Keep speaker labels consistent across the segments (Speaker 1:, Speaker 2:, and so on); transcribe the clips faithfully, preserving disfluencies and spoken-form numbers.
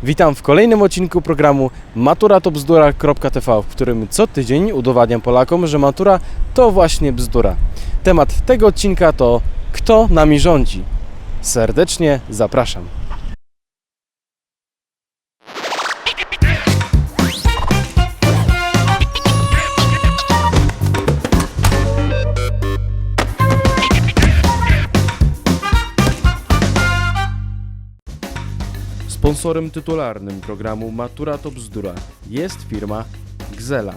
Speaker 1: Witam w kolejnym odcinku programu matura to bzdura kropka t v, w którym co tydzień udowadniam Polakom, że matura to właśnie bzdura. Temat tego odcinka to kto nami rządzi. Serdecznie zapraszam. Sponsorem tytularnym programu Matura to bzdura jest firma Gzela.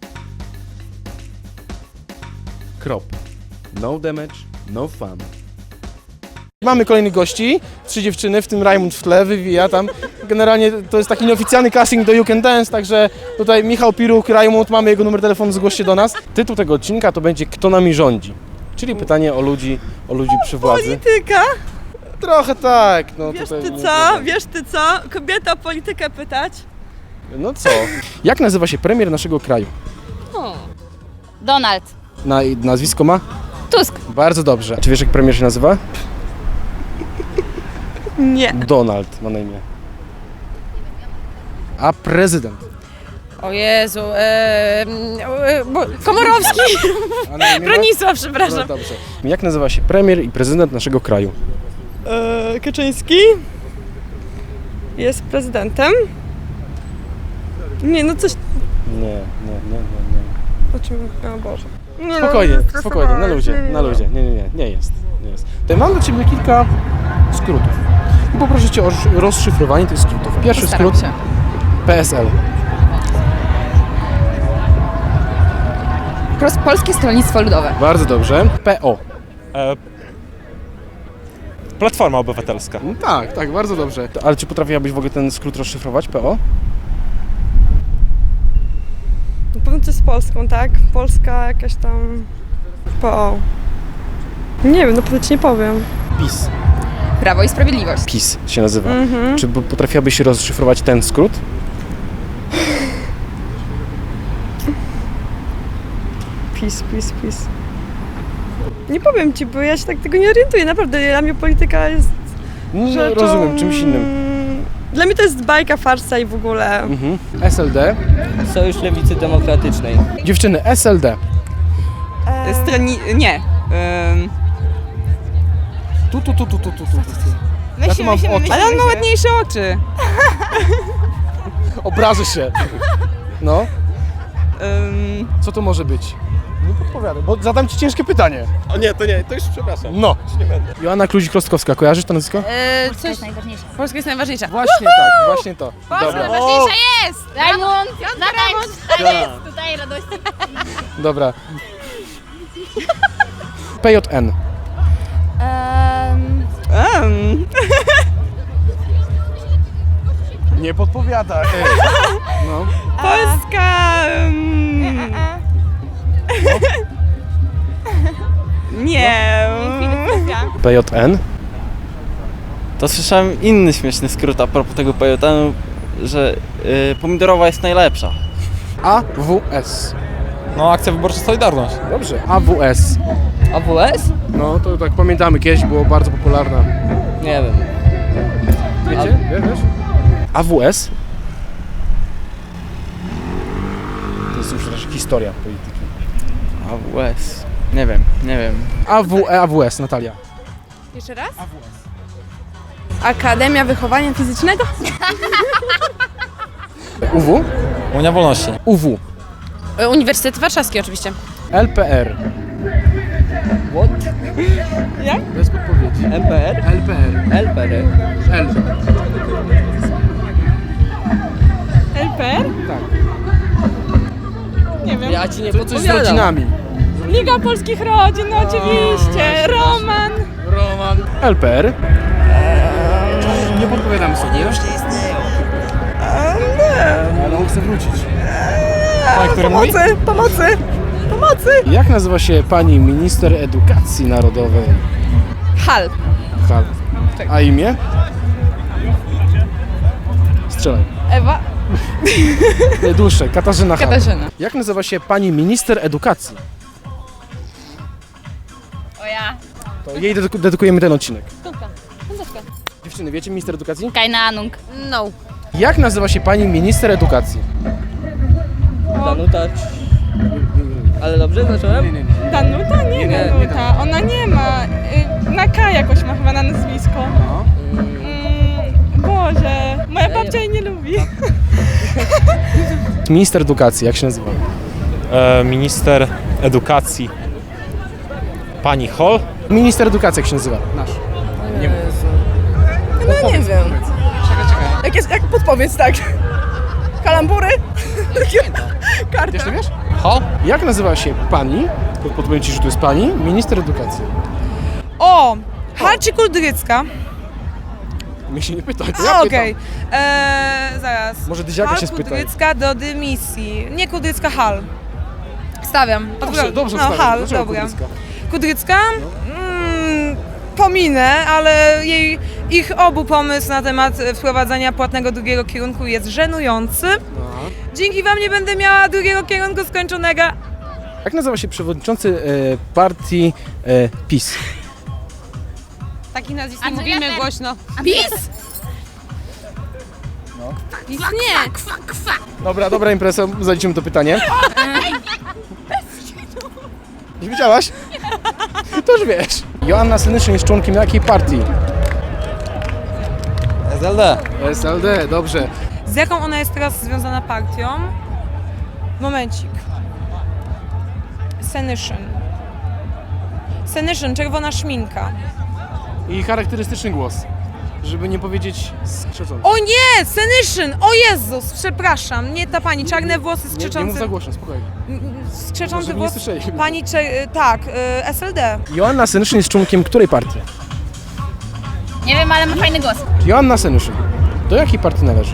Speaker 1: Krop. No damage, no fun. Mamy kolejnych gości, trzy dziewczyny, w tym Rajmund w tle, wywija tam. Generalnie to jest taki nieoficjalny casting do You Can Dance, także tutaj Michał Piruk, Rajmund, mamy jego numer telefonu, zgłoś się do nas. Tytuł tego odcinka to będzie Kto nami rządzi, czyli pytanie o ludzi, o ludzi przy władzy.
Speaker 2: Polityka?
Speaker 1: Trochę tak. No,
Speaker 2: Wiesz
Speaker 1: tutaj
Speaker 2: ty
Speaker 1: nie
Speaker 2: co?
Speaker 1: wiem.
Speaker 2: Wiesz ty co? Kobieta o politykę pytać?
Speaker 1: No co? Jak nazywa się premier naszego kraju?
Speaker 2: O.
Speaker 3: Donald
Speaker 1: Na, nazwisko ma?
Speaker 3: Tusk.
Speaker 1: Bardzo dobrze. Czy wiesz, jak premier się nazywa?
Speaker 2: Nie.
Speaker 1: Donald ma na imię. A prezydent?
Speaker 4: O Jezu, e, e, bo, Komorowski,
Speaker 1: A na imię ma?
Speaker 4: Bronisław,
Speaker 1: No
Speaker 4: przepraszam.
Speaker 1: dobrze. Jak nazywa się premier i prezydent naszego kraju?
Speaker 2: E, Kaczyński? Jest prezydentem? Nie, no coś...
Speaker 1: Nie, nie, nie, nie, nie.
Speaker 2: O czym... O Boże. Nie,
Speaker 1: Spokojnie,
Speaker 2: no,
Speaker 1: spokojnie, na luzie,
Speaker 2: nie, nie,
Speaker 1: na
Speaker 2: nie.
Speaker 1: luzie. Nie, nie, nie, nie jest. Nie jest. Tutaj mam do Ciebie kilka skrótów. I poproszę Cię o rozszyfrowanie tych skrótów. Pierwszy
Speaker 4: Postaram
Speaker 1: skrót
Speaker 4: się.
Speaker 1: P S L.
Speaker 4: Pros- Polskie Stronnictwo Ludowe.
Speaker 1: Bardzo dobrze. P O.
Speaker 5: E, Platforma Obywatelska.
Speaker 1: No tak, tak, bardzo dobrze. Ale czy potrafiłabyś w ogóle ten skrót rozszyfrować? P O?
Speaker 2: Na pewno coś z Polską, tak? Polska jakaś tam... P O. Nie wiem, no pewnie ci nie powiem.
Speaker 1: PiS.
Speaker 4: Prawo i Sprawiedliwość.
Speaker 1: PiS się nazywa.
Speaker 2: Mhm.
Speaker 1: Czy b- potrafiłabyś rozszyfrować ten skrót?
Speaker 2: PiS, PiS, PiS. Nie powiem ci, bo ja się tak tego nie orientuję. Naprawdę, dla mnie polityka jest
Speaker 1: No,
Speaker 2: rzeczą...
Speaker 1: rozumiem, czymś innym.
Speaker 2: Dla mnie to jest bajka, farsa i w ogóle.
Speaker 1: Mhm. S L D.
Speaker 6: Sojusz Lewicy Demokratycznej.
Speaker 1: Dziewczyny, S L D.
Speaker 2: E,
Speaker 6: Stroni... nie. Ym...
Speaker 1: Tu, tu, tu, tu, tu, tu, tu. Ja tu
Speaker 4: Myślimy,
Speaker 1: mam
Speaker 4: myślimy,
Speaker 1: oczy.
Speaker 4: myślimy.
Speaker 6: Ale on ma ładniejsze oczy.
Speaker 1: Obrażę się. No,
Speaker 6: Ym...
Speaker 1: co to może być? Nie podpowiadam, bo zadam Ci ciężkie pytanie.
Speaker 5: O nie, to nie, to już przepraszam.
Speaker 1: No. Joanna Kluzik-Rostkowska, kojarzysz to nazwisko?
Speaker 4: E,
Speaker 3: To
Speaker 4: coś...
Speaker 3: jest najważniejsze.
Speaker 4: Polska jest najważniejsza.
Speaker 1: Właśnie tak, właśnie to.
Speaker 4: Polska
Speaker 1: Dobra,
Speaker 4: najważniejsza jest!
Speaker 3: Rajmund, zatańcz, tak jest, tutaj radości.
Speaker 1: dobra. P J N.
Speaker 3: Um,
Speaker 6: Ym...
Speaker 1: Nie podpowiada. No.
Speaker 6: Polska... Ym... Nie.
Speaker 1: P J N.
Speaker 7: To słyszałem inny śmieszny skrót a propos tego P J N-u, że y, pomidorowa jest najlepsza.
Speaker 1: A W S.
Speaker 5: No, akcja wyborcza Solidarność.
Speaker 1: Dobrze. A W S.
Speaker 6: A W S?
Speaker 1: No to tak pamiętamy, kiedyś było bardzo popularna.
Speaker 6: Nie wiem.
Speaker 1: Wiecie? Wiesz, wiesz? A W S. To jest już też historia polityki.
Speaker 7: A W S. Nie wiem, nie wiem.
Speaker 1: A W E A W S, Natalia.
Speaker 4: Jeszcze raz? Akademia Wychowania Fizycznego?
Speaker 1: U W.
Speaker 5: Unia Wolności.
Speaker 1: U W.
Speaker 4: E, Uniwersytet Warszawski oczywiście.
Speaker 1: L P R.
Speaker 6: What?
Speaker 2: Jak?
Speaker 1: Bez podpowiedzi.
Speaker 6: M P R?
Speaker 1: L P R.
Speaker 6: L P R.
Speaker 1: L.
Speaker 2: L P R?
Speaker 1: Tak.
Speaker 2: Nie wiem.
Speaker 6: Ja ci nie
Speaker 1: To coś z
Speaker 6: podpowiadam.
Speaker 1: rodzinami.
Speaker 2: Liga Polskich Rodzin, no oczywiście. Roman.
Speaker 1: Roman. L P R. Nie podpowiadamy sobie. Już nie istnieją. Ale on chce wrócić.
Speaker 5: Pan, który mówi?
Speaker 2: Pomocy, pomocy, pomocy.
Speaker 1: Jak nazywa się pani minister edukacji narodowej?
Speaker 4: Hal.
Speaker 1: Hal. A imię? Strzelaj.
Speaker 4: Ewa.
Speaker 1: Dłuższe. Katarzyna Hal.
Speaker 4: Katarzyna.
Speaker 1: Jak nazywa się pani minister edukacji?
Speaker 3: o ja.
Speaker 1: To jej dedyku- dedykujemy ten odcinek.
Speaker 3: Kąpka, kąpka.
Speaker 1: Dziewczyny, wiecie minister edukacji?
Speaker 3: Kajna Anung.
Speaker 4: No.
Speaker 1: Jak nazywa się pani minister edukacji?
Speaker 6: Danuta. Ale dobrze zacząłem?
Speaker 2: Danuta? Nie,
Speaker 6: Nie,
Speaker 2: Danuta. Ona nie ma. Y, Na K jakoś ma chyba na nazwisko. Mm, Boże, moja babcia jej nie lubi.
Speaker 1: Minister edukacji, jak się nazywa?
Speaker 5: E, minister edukacji. Pani Hall?
Speaker 1: Minister edukacji, jak się nazywa? Nasz.
Speaker 4: No nie wiem. Jak, jest, jak podpowiedz, tak? Kalambury? Karta.
Speaker 1: Wiesz, to wiesz?
Speaker 5: Hall?
Speaker 1: Jak nazywa się pani, podpowiem ci, że to jest pani, minister edukacji?
Speaker 4: O! Halczy Kudrycka.
Speaker 1: Mnie się nie pyta, to
Speaker 4: A,
Speaker 1: ja
Speaker 4: okej.
Speaker 1: pytam.
Speaker 4: Eee, zaraz.
Speaker 1: Może Dyziaka
Speaker 4: Hal
Speaker 1: się spytaj.
Speaker 4: Kudrycka do dymisji. Nie Kudrycka, Hal. Stawiam.
Speaker 1: Dobrze,
Speaker 4: Odwrot-
Speaker 1: dobrze
Speaker 4: No,
Speaker 1: wstawiam.
Speaker 4: Hal,
Speaker 1: Dlaczego
Speaker 4: dobra.
Speaker 1: Kudrycka?
Speaker 4: Kudrycka? Mm, pominę, ale jej, ich obu pomysł na temat wprowadzania płatnego drugiego kierunku jest żenujący. Dzięki wam nie będę miała drugiego kierunku skończonego.
Speaker 1: Jak nazywa się przewodniczący e, partii e, PiS?
Speaker 4: Taki nazwisk
Speaker 3: A
Speaker 4: nie
Speaker 3: co
Speaker 4: mówimy
Speaker 3: ja ten-
Speaker 4: głośno.
Speaker 3: PiS!
Speaker 4: PiS nie.
Speaker 1: Dobra, dobra impreza, zaliczymy to pytanie. Już wiedziałaś? To już wiesz. Joanna Senyszyn jest członkiem jakiej partii?
Speaker 5: S L D.
Speaker 1: S L D, dobrze.
Speaker 4: Z jaką ona jest teraz związana partią? Momencik. Senyszyn. Senyszyn, czerwona szminka.
Speaker 1: I charakterystyczny głos, żeby nie powiedzieć skrzeczący.
Speaker 4: O nie! Senyszyn! O Jezus! Przepraszam, nie ta pani. Czarne włosy,
Speaker 1: Nie, nie mów
Speaker 4: skrzeczące...
Speaker 1: za głośno, spokojnie.
Speaker 4: Skrzeczący
Speaker 1: Żeby nie
Speaker 4: włos...
Speaker 1: słyszeli.
Speaker 4: Pani... Cze... Tak, y, S L D.
Speaker 1: Joanna Senyszyn jest członkiem której partii?
Speaker 3: Nie wiem, ale ma fajny głos.
Speaker 1: Joanna Senyszyn. Do jakiej partii należy?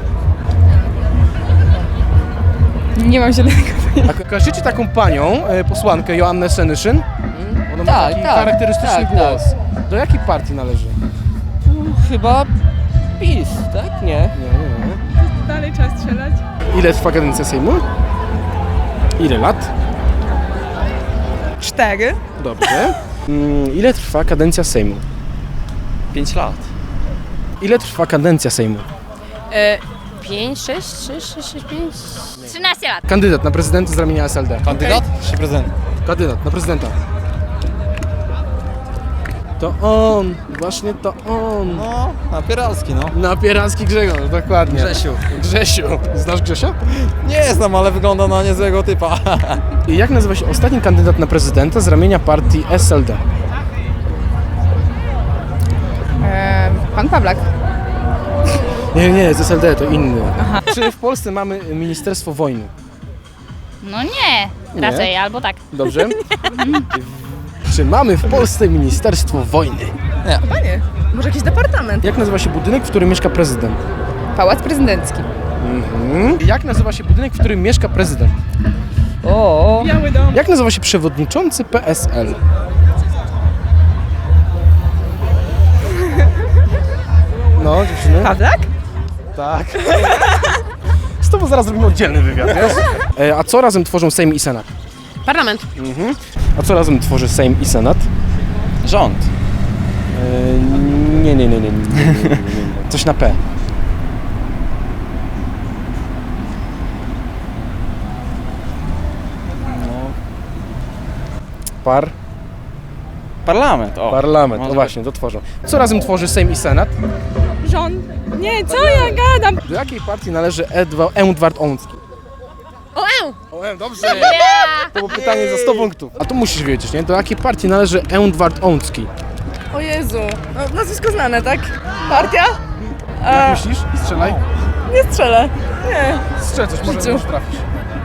Speaker 2: Nie mam zielonego.
Speaker 1: A kojarzycie taką panią, e, posłankę Joannę Senyszyn? Ona ma
Speaker 6: Tak,
Speaker 1: taki
Speaker 6: tak,
Speaker 1: charakterystyczny
Speaker 6: tak,
Speaker 1: głos. Do jakiej partii należy?
Speaker 6: Chyba PiS, tak? Nie.
Speaker 1: Nie, nie, nie.
Speaker 2: Dalej trzeba strzelać.
Speaker 1: Ile trwa kadencja Sejmu? Ile lat?
Speaker 4: Cztery.
Speaker 1: Dobrze. Mm, ile trwa kadencja Sejmu?
Speaker 7: pięć lat.
Speaker 1: Ile trwa kadencja Sejmu?
Speaker 4: E, pięć, sześć, trzy, sześć, sześć, pięć.
Speaker 3: trzynaście lat.
Speaker 1: Kandydat na prezydenta z ramienia S L D.
Speaker 5: Kandydat czy prezydent?
Speaker 1: Kandydat na prezydenta. To on, właśnie to on.
Speaker 5: No, Napieralski, no.
Speaker 1: Napieralski Grzegorz, dokładnie.
Speaker 5: Grzesiu.
Speaker 1: Grzesiu. Znasz Grzesia?
Speaker 5: Nie znam, ale wygląda na niezłego typa.
Speaker 1: I jak nazywa się ostatni kandydat na prezydenta z ramienia partii S L D?
Speaker 4: E, pan Pawlak.
Speaker 1: Nie, nie, z S L D to inny. Czy w Polsce mamy Ministerstwo Wojny?
Speaker 3: No nie, raczej, albo tak.
Speaker 1: Dobrze? Czy mamy w Polsce Ministerstwo Wojny?
Speaker 4: Panie, może jakiś departament?
Speaker 1: Jak nazywa się budynek, w którym mieszka prezydent?
Speaker 4: Pałac prezydencki.
Speaker 1: Mhm. Jak nazywa się budynek, w którym mieszka prezydent?
Speaker 6: O,
Speaker 2: Biały dom.
Speaker 1: Jak nazywa się przewodniczący P S L? No, dziewczyny?
Speaker 4: Pawlak?
Speaker 1: Tak. Z tobą zaraz zrobimy oddzielny wywiad, wiesz? E, a co razem tworzą Sejm i Senat?
Speaker 4: Parlament.
Speaker 1: Mhm. A co razem tworzy Sejm i Senat?
Speaker 7: Rząd.
Speaker 1: E, nie, nie, nie, nie, nie, nie, nie, nie, nie. Coś na P. Par?
Speaker 7: Parlament, o.
Speaker 1: Parlament, no
Speaker 7: Może
Speaker 1: właśnie, to tworzą. Co razem tworzy Sejm i Senat?
Speaker 2: Rząd. Nie, co ja gadam?
Speaker 1: Do jakiej partii należy Edwa- Edward Ołącki?
Speaker 4: O, e!
Speaker 1: O, dobrze! To było pytanie za sto punktów. A tu musisz wiedzieć, nie? Do jakiej partii należy Edward Ołącki?
Speaker 4: O Jezu. No, nazwisko znane, tak? Partia?
Speaker 1: Jak myślisz? Strzelaj.
Speaker 4: Nie strzelę. Nie.
Speaker 1: Strzel coś, może
Speaker 4: Życiu.
Speaker 1: możesz trafić.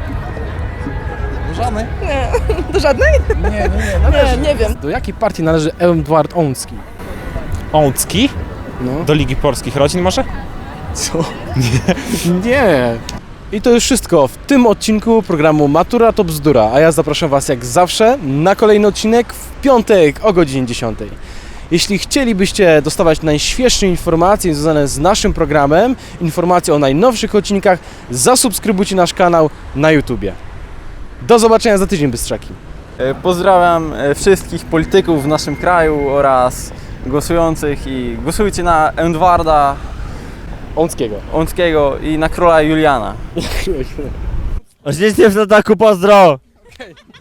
Speaker 5: Żadny.
Speaker 4: Nie. Do żadnej?
Speaker 1: Nie, nie, nie, należy.
Speaker 4: Nie, nie wiem.
Speaker 1: Do jakiej partii należy Edward Ołącki?
Speaker 5: Ołącki?
Speaker 1: No.
Speaker 5: Do Ligi Polskich Rodzin może?
Speaker 1: Co? Nie. Nie. I to już wszystko w tym odcinku programu Matura to bzdura, a ja zapraszam Was jak zawsze na kolejny odcinek w piątek o godzinie dziesiątej. Jeśli chcielibyście dostawać najświeższe informacje związane z naszym programem, informacje o najnowszych odcinkach, zasubskrybujcie nasz kanał na YouTubie. Do zobaczenia za tydzień, Bystrzaki.
Speaker 7: E, Pozdrawiam e, wszystkich polityków w naszym kraju oraz głosujących i głosujcie na Edwarda
Speaker 1: Łąckiego.
Speaker 7: Łąckiego i na króla Juliana.
Speaker 8: Oczywiście w ataku pozdro!